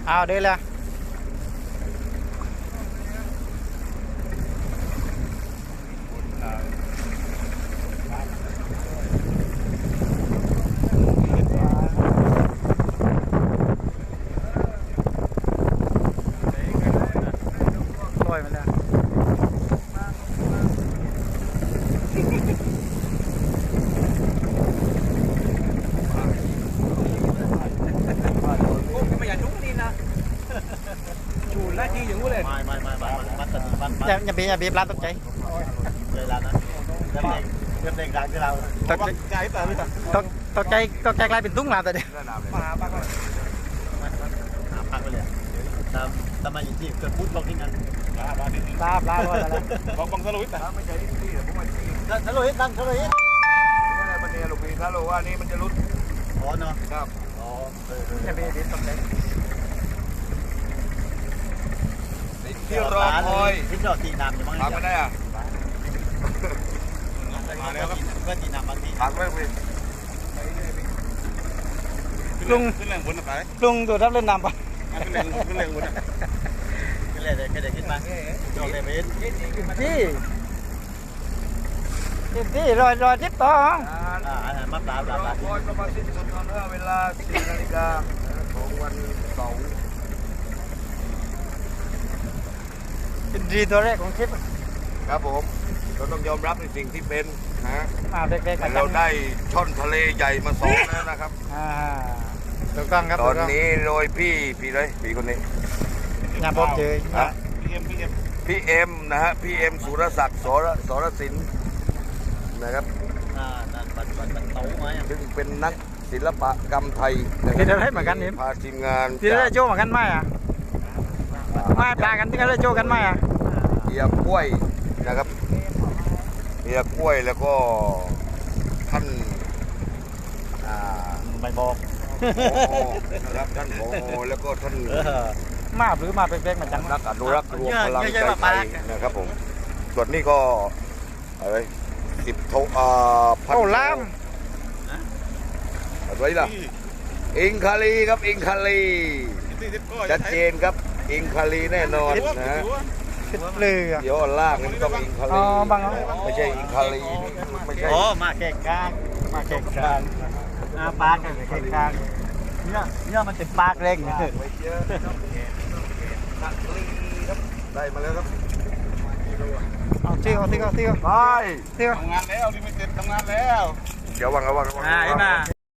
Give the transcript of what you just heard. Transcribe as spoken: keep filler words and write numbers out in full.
เอาเดี๋ยวเลยลอยมาแล้วไม่ไม่ไม่ไม่มันตัดมันอย่าอย่าบีบอย่าบีบร้านตกใจเลยแล้วนะเริ่มเด็กเริ่มเด็กรักที่เราตกใจตกตกใจตกใจกลายเป็นตุ้งลาแต่เดียวมาหาปักเลยหาพักไปเลยตามตามมาอย่างที่เกิดพูดลองทิ้งกันลาบลาลอยแล้วบอกบังสลุยแต่ไม่ใช่ที่แต่ผมมาที่นี่ทะลุฮิตนั่งทะลุฮิตแหละมันเนี่ยลูกพี่ถ้ารู้ว่านี่มันจะรุดอ๋อเนาะครับอ๋อเอออย่าบีบบีบตกใจที่รอคอยที่รอตีน้ำอยู่มั้งถามไม่ได้อ่ะมาแล้วครับก็ตีน้ำบางทีถามไม่ได้ลุงขึ้นแรงบนอะไรลุงดูทับเล่นน้ำปะขึ้นแรงขึ้นแรงบนก็เลยก็เลยขึ้นมาจอดเลยไปฮิตจี้จี้รอยรอยทิปต่ออ่าอาหารมาปลาปลาปลาคอยประมาณสิ้นสุดตอนเวลาสี่นาฬิกาของวันเสาร์เป็นดีตัวแรกของทริปครับผมเราต้องยอมรับในสิ่งที่เป็นนะมาเด็กๆเราได้ช่อนทะเลใหญ่มาสองแล้วนะครับอ่าถูกต้องครับตอนนี้โดยพี่พี่เลยพี่คนนี้อย่าพบเจอนะพี่เอ็มพี่เอ็มพี่เอ็มนะฮะพี่เอ็มสุรศักดิ์สรสรสินนะครับอ่านั่นบันบันบันเต้าไม้ซึ่งเป็นนักศิลปกรรมไทยนะคที่รับได้เหมือนกันนี่พาทีมงานที่ได้โจ้เหมือนกันไหมอ่ะไม่ปลากันที่ได้โจ้กันไหมอ่ะเฮียกล้วยนะครับเฮียกล้วยแล้วก็ท่านอ่าไม่บอกผอนะครับท่านผอแล้วก็ท่านมาหรือมาเป็นแบกมาจังนักอนุรักษ์รวมพลังใจไทยนะครับผมส่วนนี้ก็อะไรสิบโทอ่าพันโอ้ล้ามอะไรล่ะอิงคาลีครับอิงคาลีชัดเจนครับอิงคาลีแน่นอนนะฮะติดเรือเดี๋ยวล่างนี่ต้องอิงคาอ๋ลีอบางเอาไม่ใช่อิงคาลีไม่ใช่โอ้มาแข่งกลางมาแข่งกลางอ่าปลาแข่งแข่งกลางเนี่ยเนี่ยมันเป็นปลาเร่งไปเยอะคาลีครับได้มาแล้วครับเอาเที่ยวเที่ยวเที่ยวไปเที่ยวทำงานแล้วลิมิเต็ดทำงานแล้วเดี๋ยววางระวังระวังอ่าไอ้มา